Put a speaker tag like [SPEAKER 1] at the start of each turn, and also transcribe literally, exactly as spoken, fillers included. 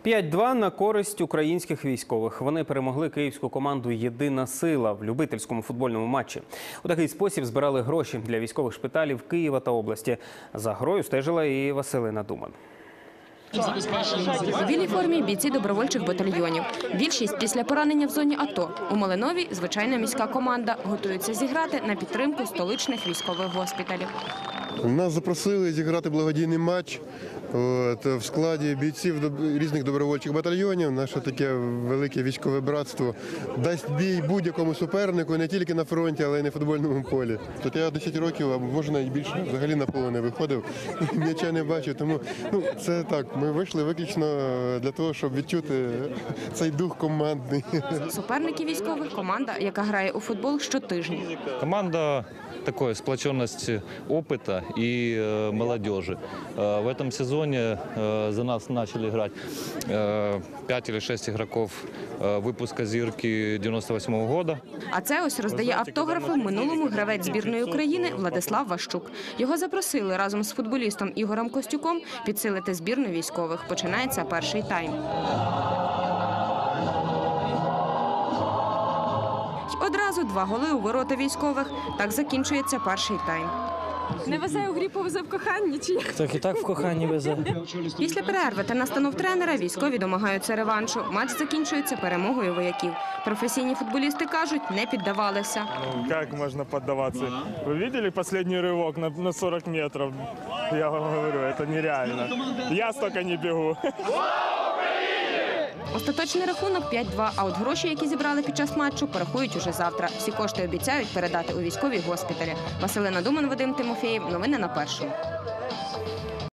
[SPEAKER 1] п'ять-два на користь українських військових. Вони перемогли київську команду «Єдина сила» в любительському футбольному матчі. У такий спосіб збирали гроші для військових шпиталів Києва та області. За грою стежила і Василина Думан.
[SPEAKER 2] У білій формі бійці добровольчих батальйонів. Більшість після поранення в зоні АТО. У Малинові звичайна міська команда. Готуються зіграти на підтримку столичних військових госпіталів.
[SPEAKER 3] Нас запросили зіграти благодійний матч от, в складі бійців різних добровольчих батальйонів. Наше таке велике військове братство дасть бій будь-якому супернику, не тільки на фронті, але й на футбольному полі. Тут я десять років, а може навіть більше, взагалі на поле не виходив, м'яча не бачив. Тому ну, це так, ми вийшли виключно для того, щоб відчути цей дух командний.
[SPEAKER 2] Суперники військових – команда, яка грає у футбол щотижня.
[SPEAKER 4] Команда такой сплоченности опыта и э, молодежи. Э, в этом сезоне э, за нас начали играть э, пять или шесть игроков э, выпуска «Зірки» дев'яносто восьмого года.
[SPEAKER 2] А це ось роздає автографи в минулому гравець збірної України Владислав Ващук. Його запросили разом з футболістом Ігорем Костюком підсилити збірну військових. Починається перший тайм. Одразу два голи у ворота військових. Так закінчується перший тайм.
[SPEAKER 5] Не везе у грі, повезе в коханні чи як?
[SPEAKER 6] Так і так в коханні везе.
[SPEAKER 2] Після перерви та настанов тренера військові домагаються реваншу. Матч закінчується перемогою вояків. Професійні футболісти кажуть, не піддавалися.
[SPEAKER 7] Ну, як можна піддаватися? Ви бачили останній ривок на, на сорок метрів? Я вам говорю, це нереально. Я стільки не бігу.
[SPEAKER 2] Остаточний рахунок п'ять-два, а от гроші, які зібрали під час матчу, порахують уже завтра. Всі кошти обіцяють передати у військові госпіталі. Василина Думан, Вадим Тимофєєв. Новини на першому.